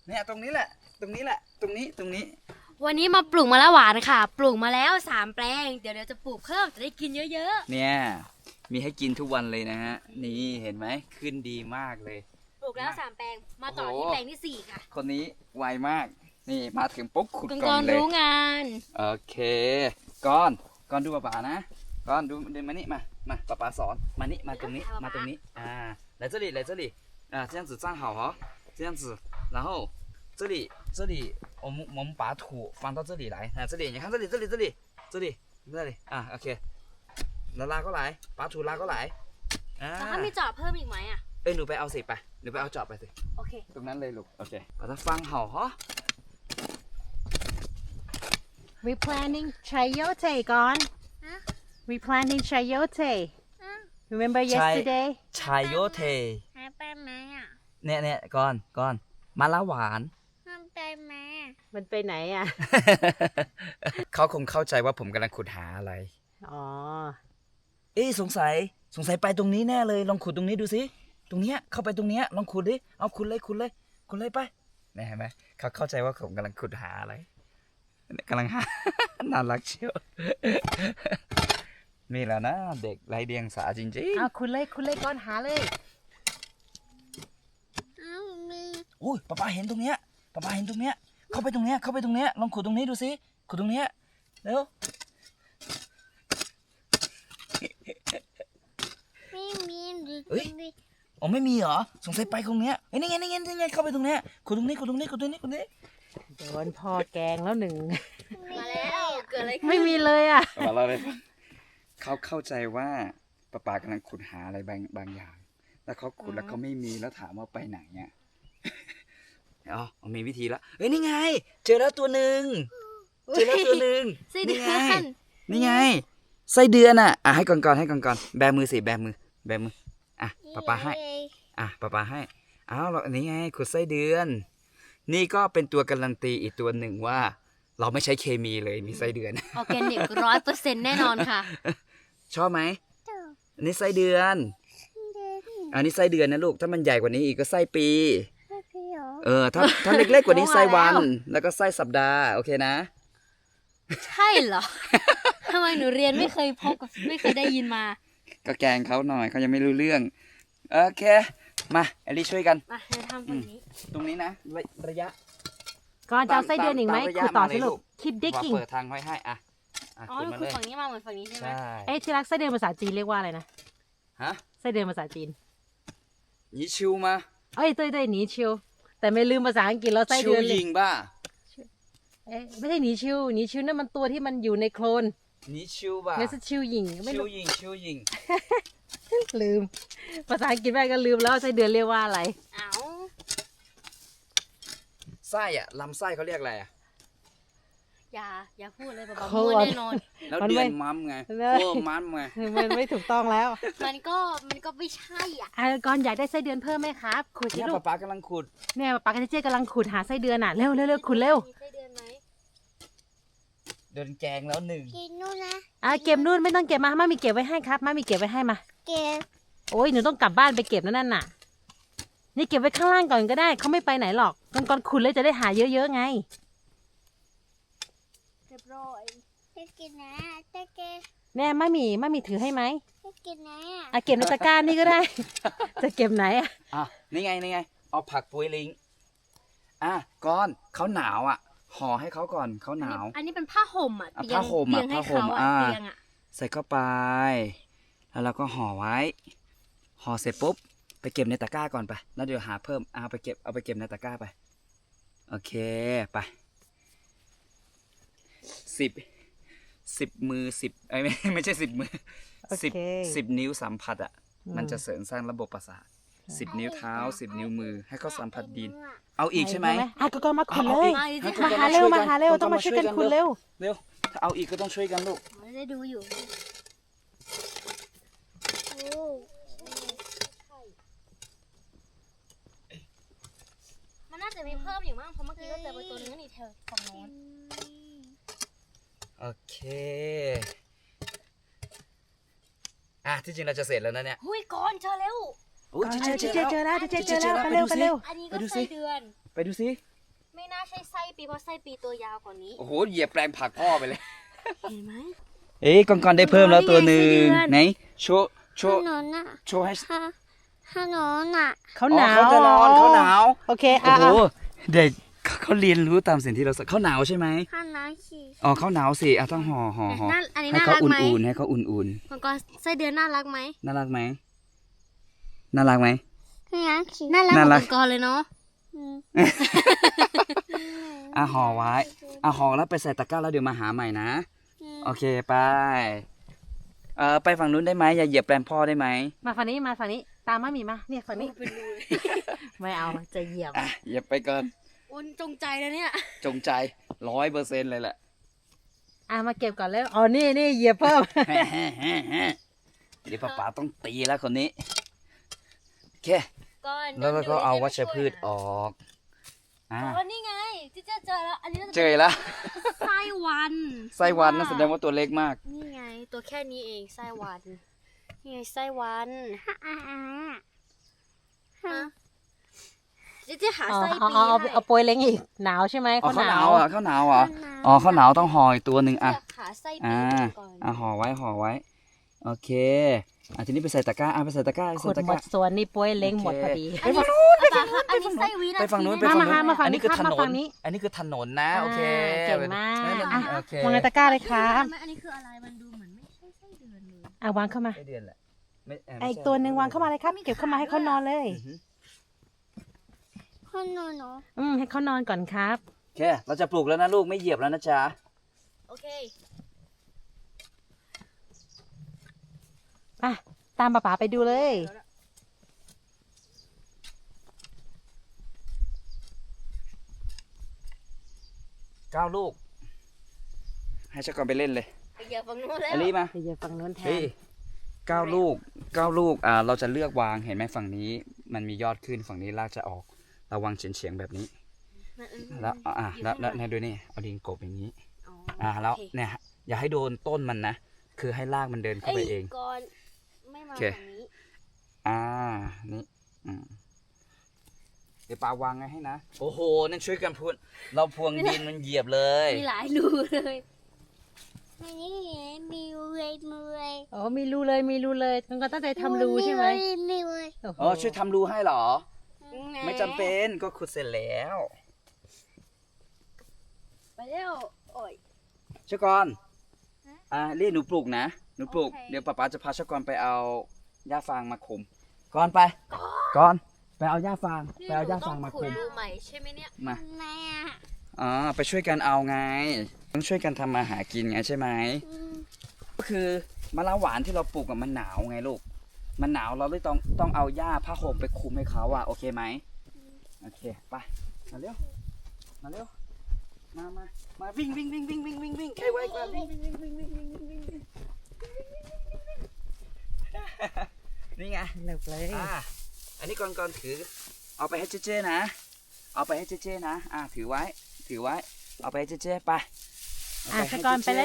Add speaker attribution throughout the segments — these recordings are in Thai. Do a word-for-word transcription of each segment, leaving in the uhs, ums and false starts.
Speaker 1: เนี่ยตรงนี้แหละตรงนี้แหละตรงนี้ตรงนี้
Speaker 2: วันนี้มาปลูกมะละหวานค่ะปลูกมาแล้วสามแปลงเดี๋ยวเดี๋ยวจะปลูกเพิ่มจะได้กินเยอะ
Speaker 1: ๆเนี่ยมีให้กินทุกวันเลยนะฮะนี่เห็นไหมขึ้นดีมากเลย
Speaker 2: ปลูกแล้วสามแปลงมาต่อที่แปลงที่สี่ค่ะ
Speaker 1: คนนี้ไวมากนี่มาถึงปุ๊บขุด
Speaker 2: ก
Speaker 1: ก่อนเลย
Speaker 2: รู้งาน
Speaker 1: โอเคก้อนก้อนดูป๋าๆนะก้อนดูเดินมานี่มามาป๋าป๋าสอนมานี่มาตรงนี้มาตรงนี้อ่า来这里来这里啊这样子站好哦这样子然后这里这里我们我们把土放到这里来啊这里你看这里这里这里这里这里啊 OK แล้วลากก็ไหลป๋าถูลากก็ไหลอ่า
Speaker 2: แล้วถ้ามีจอบเพิ่มอีกไหมอ่ะ
Speaker 1: เอ้ยหนูไปเอาสิไปหนูไปเอาจอบไปสิ
Speaker 2: โอเค
Speaker 1: ตรงนั้นเลยลูกโอเคป๋าจะฟังเห่าเหรอ
Speaker 3: Replanting chayote gone. Replanting chayote. Remember yesterday?
Speaker 1: ชายโยเท
Speaker 4: หายไปไหมอ่ะ
Speaker 1: เนี่ยเนี่ยก่อนก่อนมาละหวาน
Speaker 4: มันไปไหมอ่ะ
Speaker 3: มันไปไหนอ่ะ
Speaker 1: เขาคงเข้าใจว่าผมกำลังขุดหาอะไร
Speaker 3: อ๋อ
Speaker 1: เอ๊ะสงสัยสงสัยไปตรงนี้แน่เลยลองขุดตรงนี้ดูสิตรงเนี้ยเข้าไปตรงเนี้ยลองขุดดิเอาขุดเลยขุดเลยขุดเลยไปนี่เห็นไหมเขาเข้าใจว่าผมกำลังขุดหาอะไรกำลังหา น่ารักเชียว นี่แหละนะเด็กไร้เดียงสาจริงๆ
Speaker 3: เอาคุณเลยคุณเลยก่อนหาเลย
Speaker 4: เอ้ามี
Speaker 1: อุ้ยป้าป้าเห็นตรงเนี้ยป้าป้าเห็นตรงเนี้ยเข้าไปตรงเนี้ยเข้าไปตรงเนี้ยลองขุดตรงนี้ดูสิขุดตรงเนี้ยเร็ว
Speaker 4: ไม่มีหรือ
Speaker 1: เอ้ย
Speaker 4: มี
Speaker 1: อ๋อไม่มีเหรอสงสัยไปตรงเนี้ยเอ้ยนี่ไงนี่ไงนี่ไงเข้าไปตรงเนี้ยขุดตรงนี้ขุดตรงนี้ขุดตรงนี้ขุดตรงนี้
Speaker 3: โดนพ่อแกงแล้วหนึ่ง
Speaker 2: มาแล้วเกิดอะไรขึ้น
Speaker 3: ไม่มีเลยอ่ะ
Speaker 1: มาเราเลยเขาเข้าใจว่าป้าป้ากำลังขุดหาอะไรบางบางอย่าง แล้วเขาขุดแล้วเขาไม่มีแล้วถามว่าไปไหนเนี่ย อ๋อมีวิธีแล้วเฮ้ยนี่ไง เจอแล้วตัวหนึ่งเจอแล้วตัวหนึ่ง
Speaker 2: ไส้เดื
Speaker 1: นี่
Speaker 2: อ
Speaker 1: ไง
Speaker 2: น
Speaker 1: นี่ไงไส้เดือนอ่ะอ่ะให้ก่อนก่อนให้ก่อนก่อนแบมือสิแบมือแบมืออ่ะป้าป้าให้ อ่ะป้าป้าให้อ้าวเราอันนี้ไงขุดไส้เดือน นี่ก็เป็นตัวการันตีอีกตัวหนึ่งว่า เราไม่ใช้เคมีเลยมีไส้เดือน
Speaker 2: ออร์แกนิกร้อยเปอร์เซ็นต์แน่นอนค่ะ
Speaker 1: ชอบไหม
Speaker 4: ตัว
Speaker 1: อันนี้ไส้เดือน
Speaker 4: เดิน
Speaker 1: อันนี้ไส้เดือนนะลูกถ้ามันใหญ่กว่านี้อีกก็ไส้ปี
Speaker 4: ให้พี่เหรอ
Speaker 1: เออถ้าถ้าเล็กๆกว่านี้ไส้วัน
Speaker 3: ว่าแล้ว
Speaker 1: แล้วก็ไส้สัปดาห์โอเคนะ
Speaker 2: ใช่เหรอ ทำไมหนูเรียนไม่เคยพบกับไม่เคยได้ยินมา
Speaker 1: ก็แกล้งเขาหน่อยเขายังไม่รู้เรื่องโอเคมาเอลลี่ช่วยกัน
Speaker 2: มาเราทำตรงนี้
Speaker 1: ตรงนี้นะระระยะ
Speaker 3: ก่อนจะเอาไส้เดือนอีกไหม
Speaker 1: ตามระยะ
Speaker 3: ขุดต่อ
Speaker 1: มาเลย
Speaker 3: สิลู
Speaker 1: ลู
Speaker 3: ก
Speaker 1: ก
Speaker 3: keep
Speaker 1: ว่า
Speaker 3: digging
Speaker 1: เปิดทางไว้ให้อ่ะอ่ะ
Speaker 2: อ๋อ
Speaker 1: ขุด
Speaker 2: หนู
Speaker 1: มา
Speaker 2: คื
Speaker 1: เล
Speaker 2: อย ฝั่งนี้มาเหมือนฝั่งนี้ใช่ไหม
Speaker 1: ใช่
Speaker 3: เอ้ยที่รักไส้เดือนภาษาจีนเรียกว่าอะไรนะ
Speaker 1: ฮะ
Speaker 3: ไส้เดือนภาษาจีน
Speaker 1: นี่ชิวมา
Speaker 3: เอ้ยเต้ยเต้ยหนีชิวแต่ไม่ลืมภาษาอังกฤษแล้วไส้
Speaker 1: ชิ
Speaker 3: เดื
Speaker 1: ว
Speaker 3: อนเลย
Speaker 1: ยิงบ้า
Speaker 3: เอ๊ะไม่ใช่หนีชิวหนีชิวนั่นมันตัวที่มันอยู่ในโคลน
Speaker 1: นี่ชิวบ้า
Speaker 3: ไม่ใช่ชิวหญิงไม่
Speaker 1: ชิว
Speaker 3: รู้
Speaker 1: ยิงชิวยิง
Speaker 3: ลืม ภาษาอังกฤษแม่ก็ลืมแล้วไส้เดือนเรียกว่าอะไร
Speaker 2: เอ้า
Speaker 1: ไส้อะลำไส้เขาเรียกอะไรอะ
Speaker 2: อย่าอย่าพูดเลยแบบ
Speaker 3: โค
Speaker 2: มั่ว
Speaker 3: ตร
Speaker 2: แน่นอน
Speaker 1: แล้ว
Speaker 3: มัน
Speaker 1: เดื
Speaker 3: ไม่
Speaker 1: อนมัมไง
Speaker 3: เลย
Speaker 1: โอ้มัมไง
Speaker 3: มันไม่ถูกต้องแล้ว
Speaker 2: มันก็มันก็ไม่ใช่อ่ะ
Speaker 3: อ่ะก่อนอยากได้ไส้เดือนเพิ่มไหมครับขุดสิ
Speaker 1: เนี่ย
Speaker 3: ลู
Speaker 1: ป๊าก ป๊ากำลังขุด
Speaker 3: เนี่ยปากกาเจ๊กำลังขุดหาไส้เดือนอ่ะเร็วเร็วเร็วขุดเร็ว
Speaker 2: มีไส้เดือนไหม
Speaker 1: เดินแกงแล้วหนึ่ง
Speaker 4: กินนู่นนะ
Speaker 3: อ่ะเก็บนู่นไม่ต้องเก็บมามามีเก็บไว้ให้ครับมามีเก็บไว้ให้มา
Speaker 4: เก็บ
Speaker 3: โอ้ยหนูต้องกลับบ้านไปเก็บนั่นน่ะนี่เก็บไว้ข้างล่างก่อนก็ได้เขาไม่ไปไหนหรอกก่อนก่อนขุดเลยจะได้หาเยอะๆไง
Speaker 2: เรียบร้อย
Speaker 4: จะกินนะจะเก็บ
Speaker 3: แน่มามีมามีถือให้ไหม
Speaker 4: จะกินนะ
Speaker 3: อ่ะเก็บในตะกร้านี่ก็ได้ จะเก็บไหนอ่ะ
Speaker 1: อ่ะนี่ไงนี่ไงเอาผักปุยลิงอ่ะก้อนเขาหนาวอ่ะห่อให้เขาก่อนเขาหนาว
Speaker 2: อันนี้เป็นผ้าห่มอ่ะ
Speaker 1: อ่ะ
Speaker 2: เตีย
Speaker 1: ผ้าง ห่ม
Speaker 2: เตี
Speaker 1: อ่ะ
Speaker 2: ยงให้
Speaker 1: ผ้าห่
Speaker 2: เขา
Speaker 1: ม
Speaker 2: อ่ะ
Speaker 1: อ่า
Speaker 2: เตียงอ่ะ
Speaker 1: ใส่เข้าไป แล้วเราก็ห่อไว้ห่อเสร็จปุ๊บไปเก็บในตะกร้าก่อนไปแล้วเดี๋ยวหาเพิ่มเอาไปเก็บเอาไปเก็บในตะกร้าไปโอเคไปสิบสิบมือสิบไอ้ยไม่ไม่ใช่สิบมือสิบสิบนิ้วสัมผัสอ่ะมันจะเสริมสร้างระบบประสาทสิบนิ้วเท้าสิบนิ้วมือให้เขาสัมผัสดิน เอาอีกใช่ไหม
Speaker 3: อ่ะก็ก็มาขุดเลย
Speaker 2: มาดิ
Speaker 1: ให้
Speaker 2: ที่
Speaker 1: ทุก
Speaker 3: มา
Speaker 1: คน
Speaker 3: หาเร็ว
Speaker 1: ช่วย
Speaker 3: มา
Speaker 1: กัน
Speaker 3: หาเร็ว
Speaker 1: ทุกคน
Speaker 3: ต้องมาช่วยกัน
Speaker 1: มาช่วยกัน
Speaker 3: ขุดเร็ว
Speaker 1: เร็วถ้าเอาอีกก็ต้องช่วยกันลูก
Speaker 2: มันได้ดูอยู่
Speaker 4: โอ้
Speaker 2: มันน่าจะมีเพิ่มอยู่มั้งเพราะเมื่อกี้ก็เจอไปตัวนึงนี่เธอฝั่งโน้น
Speaker 1: โอเคอ่ะที่จริงเราจะเสร็จแล้วนะเนี่ย
Speaker 2: หุยก่อนเจอเร็ว
Speaker 1: โอ้ย
Speaker 3: เจ
Speaker 1: เจ
Speaker 3: อ
Speaker 1: อ
Speaker 3: เจ
Speaker 1: เจ
Speaker 3: อ
Speaker 1: อ
Speaker 3: เจอ
Speaker 1: แล้ว
Speaker 3: แล้วเจอเจอแล้วไปเร็วไปเร็ว
Speaker 2: อันนี้ก็
Speaker 1: ไปดูสิ
Speaker 2: ไส้เดือน
Speaker 1: ไปดูสิ
Speaker 2: ไม่น่าใช่ไส้ปีเพราะไส้ปีตัวยาวกว่านี้
Speaker 1: โอ้โหเหยียบแปลงผักพ่อไปเลย
Speaker 2: เห็นไหม
Speaker 1: เอ้ยกอนกอนได้เพิ่มแล้วตัวหนึ่ง
Speaker 2: นี่ไงไส้เดือน
Speaker 1: ไหนโชว์โช
Speaker 4: ถ
Speaker 1: ว์
Speaker 4: นนอ่ะ
Speaker 1: โชว์ให้
Speaker 4: ฮะถนนอ่ะ
Speaker 3: เขาหนาว
Speaker 1: อ๋อเขาจะร้อนเขาหนาว
Speaker 3: โอเค
Speaker 1: โอ้
Speaker 3: อ่ะ
Speaker 1: โห
Speaker 3: อ่ะ
Speaker 1: เด็กเขาเขาเรียนรู้ตามสิ่งที่เราสอนเขาหนาวใช่ไหม
Speaker 4: ข้างน้ำฉี่
Speaker 1: อ๋อเขาหนาวสิอ่ะต้องห่อห่อห่อ
Speaker 2: น่าอันนี้
Speaker 1: ให้
Speaker 2: น่า
Speaker 1: เขา
Speaker 2: รัก
Speaker 1: อุ
Speaker 2: ไหม่
Speaker 1: นๆให้เขาอุ่น
Speaker 2: มังกรไส้เดือนน่ารักไหม
Speaker 1: ๆน่ารักไหมน่ารักไหม
Speaker 4: ข้างน้ำฉี่
Speaker 2: น่ารัก
Speaker 1: น่า
Speaker 2: เหมื
Speaker 1: รั
Speaker 2: อก นมังกรเลยเนาะ
Speaker 4: อืม
Speaker 1: อ่ะห่อไว้อ่ะห่อแล้วไปใส่ตะกร้าแล้วเดี๋ยวมาหาใหม่นะ
Speaker 4: อืม
Speaker 1: โอเคไปเออไปฝั่งนู้นได้ไหมอย่าเหยียบแปลงพ่อได้ไหม
Speaker 3: มาฝั่งนี้มาฝั่งนี้ตามมามีมาเนี่ยฝั่งนี้
Speaker 2: เป็นรูเลย
Speaker 3: ไม่เอาจะเหยียบ
Speaker 1: อ่ะเหยียบไปก่อน
Speaker 2: อุ้นจงใจแล้วเนี่ย
Speaker 1: จงใจร้อยเปอร์เซ็นต์เลยแหละ
Speaker 3: อ่ะมาเก็บก่อนแล้วอ๋อนี่นี่เหยียบเพิ่ม
Speaker 1: เดี๋ยวป้าป๋าต้องตีแล้วคนนี้โอเค
Speaker 2: ก่อน
Speaker 1: แล้วเราก็เอาวัชพืชออกอ่า
Speaker 2: อ๋อนี่ไงที่เจะเจอแล้ว อันนี้น่าจะ
Speaker 1: เจอแล้ว
Speaker 2: ไส้วัน
Speaker 1: ไส้วันนั่นแสดงว่าตัวเล็กมาก
Speaker 2: นี่ไง ตัวแค่นี้เองไส้วัน นี่ไงไส้วัน
Speaker 4: อ่ะอ่ะอ่ะ
Speaker 2: ฮะเจะจะหา
Speaker 3: อ๋อ
Speaker 2: ไส้
Speaker 3: เอา
Speaker 2: ปี
Speaker 3: เอาเอา
Speaker 2: ให้
Speaker 3: เอาโปรยเล้งอีกหนาวใช่ไหม
Speaker 1: อ๋อ
Speaker 3: เขา
Speaker 1: ข้าว
Speaker 3: ห
Speaker 1: ห
Speaker 3: นาน
Speaker 1: าว วอ่ะข้าวหนาวเหรออ๋อข้าวหนาวต้องห่ออีกตัวหนึ่งอ่ะ
Speaker 2: อยากหาไส้ปี
Speaker 1: อ่า
Speaker 2: ก่อน
Speaker 1: อ่ะห่อไว้ห่อไว้ โอเคอ่ะทีนี้ไปใส่ตะกร้าอ่ะไปใส่ตะกร้าไป
Speaker 3: ขุ
Speaker 1: ใส่
Speaker 3: ด
Speaker 1: ตะ
Speaker 3: ห
Speaker 1: ก
Speaker 3: ม
Speaker 1: ร้า
Speaker 3: ดส่วนนี่โปรยเล้งหมดพอดี
Speaker 2: อันนี้ป้าคะอันนี้ไส้วีนา
Speaker 1: ไปฝั่งนู้นไป
Speaker 2: ทีะ
Speaker 1: ฝั่งนู้น
Speaker 3: มามาฝั่งนี้
Speaker 1: อันนี้คือ
Speaker 3: ครั
Speaker 1: ถ
Speaker 3: บ
Speaker 1: น
Speaker 3: มาฝั่
Speaker 1: น
Speaker 3: งนี้
Speaker 1: อันนี้คือถนนนะโอเค
Speaker 3: เก่งมาก
Speaker 1: นั่น
Speaker 3: อ่ะ
Speaker 1: โอเคว
Speaker 3: างในตะกร้าเลยครับ
Speaker 2: อันนี้คืออะไร มันดูเหมือนไม่ใช่ไส้เดือนเลย
Speaker 3: อ่ะวางเข้ามา
Speaker 1: ไม่เดือนแหละไม่เ
Speaker 3: ไอ้
Speaker 1: ม่ใช่
Speaker 3: ตัวหนึ่งวางเข้ามาเลยครับเก็บเข้ามาให้เขานอนเลย
Speaker 1: อือฮึ
Speaker 4: ถนนเนาะ
Speaker 3: อืมให้เขานอนก่อนครับ
Speaker 1: โอเค เราจะปลูกแล้วนะลูกไม่เหยียบแล้วนะจ๊ะ
Speaker 2: โอเค
Speaker 3: อ่ะตามป๋าป๋าไปดูเลย
Speaker 1: เก้าลูก ให้ชักกอนไปเล่นเลย
Speaker 2: ไปเหยียบฝั่งนู้นแล้ว
Speaker 1: อลีมา
Speaker 3: เดี๋ยวฝั่งนู้นแท
Speaker 1: เฮ้
Speaker 3: น
Speaker 1: ยเก้าลูกเก้าลูกอ่าเราจะเลือกวางเห็นไหมฝั่งนี้ มันมียอดขึ้นฝั่งนี้รากจะออกเราวางเฉียงเฉียงๆแบบนี้ แล้วอ่ะแล้วแล้วเนี่ยดูนี่เอาดินกบอย่างนี้ อ่าแล้วเนี่ยอย่าให้โดนต้นมันนะ คือให้รากมันเดินเข้าไปเอง
Speaker 2: ก่อนไม่มา
Speaker 1: โอเค
Speaker 2: ฝั่งนี้
Speaker 1: อ่า นี่อืมเดี๋ยวปาวางไงให้นะ โอ้โห นั่นช่วยกันพูด เราพวงดินมันเหยียบเลย
Speaker 2: มีหลายรูเลย
Speaker 4: อันนี้มีเวยมีเวย
Speaker 3: อ๋อมีรูเลยมีรูเลยต้องก็ตั้งใจทำรูใช่ไหม
Speaker 4: มีเวย
Speaker 3: โอ้โห
Speaker 1: อ๋อ ช่วยทำรูให้เหรอ ไม่จำเป็นก็ขุดเสร็จแล้ว
Speaker 2: ไปเร็วโอ้ย
Speaker 1: ชกรอ่าเรียกหนูปลูกนะ หนูปลูก
Speaker 2: โอเค
Speaker 1: เดี๋ยวป๊าป๊าจะพาชกรไปเอาหญ้าฟางมาคุมก่อนไป ก่อน ไปเอาหญ้าฟาง ไปเอาหญ้าฟางมา
Speaker 2: ขุ
Speaker 1: คุ
Speaker 2: ด
Speaker 1: ม
Speaker 2: รูใหม่ใช่ไหมเนี่ย
Speaker 1: มา
Speaker 4: ทำไมอ่ะ
Speaker 1: อ๋อ ไปช่วยกันเอาไง ต้องช่วยกันทำมาหากินไงใช่ไหม
Speaker 4: อืม
Speaker 1: ก็คือมะละหวานที่เราปลูกกับมันหนาวไงลูก มันหนาวเราเลยต้องต้องเอาหญ้าผ้าห่มไปคลุมให้เขาอะโอเคไหมโอเคไปมาเร็วมาเร็วมามามาวิ่งวิ่งวิ่งวิ่งวิ่งวิ่งวิ่งใครไวกว่าวิ่งวิ่งวิ่งวิ่งวิ่งวิ่งวิ่งวิ่งวิ่งนี่ไง
Speaker 3: เลิกเลย
Speaker 1: อ่าอันนี้ก่อนก่อนถือ เอาไปให้เจ๊เจ๊นะ เอาไปให้เจ๊เจ๊นะอ่าถือไว้ ถือไว้ เอาไปให้เจ๊เจ๊ไปเา
Speaker 3: อ่ะ
Speaker 1: ให้
Speaker 3: สกอนไปเลย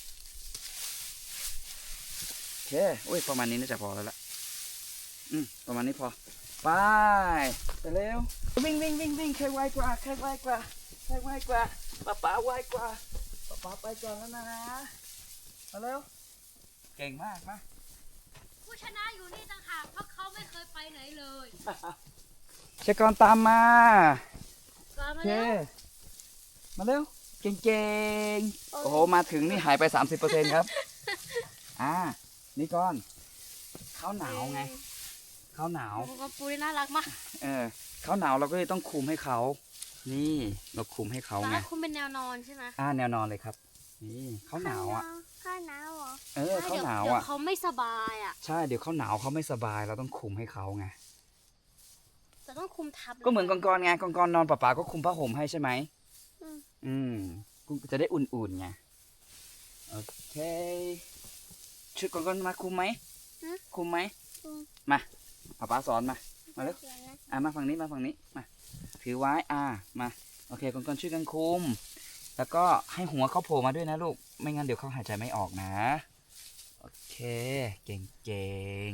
Speaker 1: โอเคอุ้ยประมาณนี้น่าจะพอแล้วล่ะ อืมประมาณนี้พอ ไป ไปเร็ว วิ่งวิ่งวิ่งวิ่งใครไวกว่าใครไวกว่าใครไวกว่าป้าป๋าไวกว่าป้าป๋าไปก่อนแล้วนะ มาเร็ว เก่งมากมา
Speaker 2: ผู้ชนะอยู่นี่ต่างหากเพราะเขาไม่เคยไปไหนเลย
Speaker 1: เชกรตามมา
Speaker 2: ก่อน
Speaker 1: โอ
Speaker 2: มา
Speaker 1: เค
Speaker 2: เร็ว
Speaker 1: มาเร็ว เก่งๆ โอ้โห มาถึงนี่หายไป สามสิบเปอร์เซ็นต์ ครับ อ่า นี่ก่อนข้าวหนาวไงข้าวหนาว
Speaker 2: มังกรปูนี่น่ารักมาก
Speaker 1: เออข้าวหนาวเราก็เลยต้องคุมให้เขา นี่เราคุมให้เขา
Speaker 2: ตอน
Speaker 1: ไง
Speaker 2: นั้นคุณเป็นแนวนอนใช่ไหม
Speaker 1: อ่าแนวนอนเลยครับ นี่ข้าวหนาวอ่ะ
Speaker 4: ข้าวหนาวเหรอ
Speaker 1: เออข้าวหนาว
Speaker 2: เดี๋ยว
Speaker 1: อ่ะ
Speaker 2: เขาไม่สบายอ่ะ
Speaker 1: ใช่ เดี๋ยวข้าวหนาวเขาไม่สบาย เราต้องคุมให้เขาไง
Speaker 2: จะต้องคุมทับ
Speaker 1: ก็เหมือนกองกรไงกองกรนอนป่าๆก็คุมผ้าห่มให้ใช่ไหม อืมกูจะได้อุ่นๆไง โอเคชุดกองกรมาคุมไหม คุมไหม มาป้าป้าสอนมา มาเร็ว อ่ะมาฝั่งนี้มาฝั่งนี้ มา ถือไว้ อ่า มา โอเคกองกรช่วยกันคุม แล้วก็ให้หัวเขาโผล่มาด้วยนะลูก ไม่งั้นเดี๋ยวเขาหายใจไม่ออกนะ โอเค เก่งเก่ง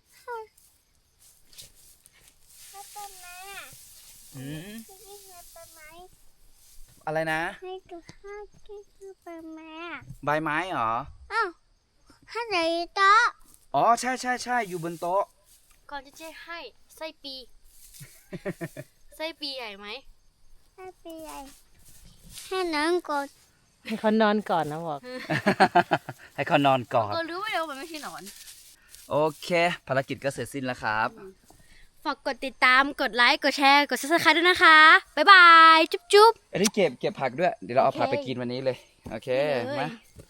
Speaker 4: แล้วเป็นแม่
Speaker 1: อืม
Speaker 4: พี่พี่แล้วเป็น
Speaker 1: อะไรนะ
Speaker 4: ให้ดูข้าวกินข้าวไปไหมอ่ะ
Speaker 1: ใบไม้เหรอ
Speaker 4: อ้าวให้ไหนโต๊ะ
Speaker 1: อ๋อใช่ใช่ใช่อยู่บนโต๊ะ
Speaker 2: ก่อนจะเจ๊ให้ไส้ปี ไส้ปีใหญ่ไหม
Speaker 4: ให้ไปใหญ่ให้น้องกด
Speaker 3: ให้เขานอนก่อนนะบอก
Speaker 1: ให้เขานอนก่อน
Speaker 2: ก็รู้ว่าเดี๋ยวมันไม่ใช่หนอน
Speaker 1: โอเค ภารกิจก็เสร็จสิ้นแล้วครับ
Speaker 2: ฝากกดติดตาม กดไลค์ กดแชร์ กด ซับสไครบ์ ด้วยนะคะ บ๊ายบาย จุ๊บจุ๊บ
Speaker 1: อันนี้เก็บเก็บผักด้วย เดี๋ยวเราเอา
Speaker 2: โอเค
Speaker 1: ผักไปกินวันนี้เลย โอเค
Speaker 2: ได้เลย
Speaker 1: มา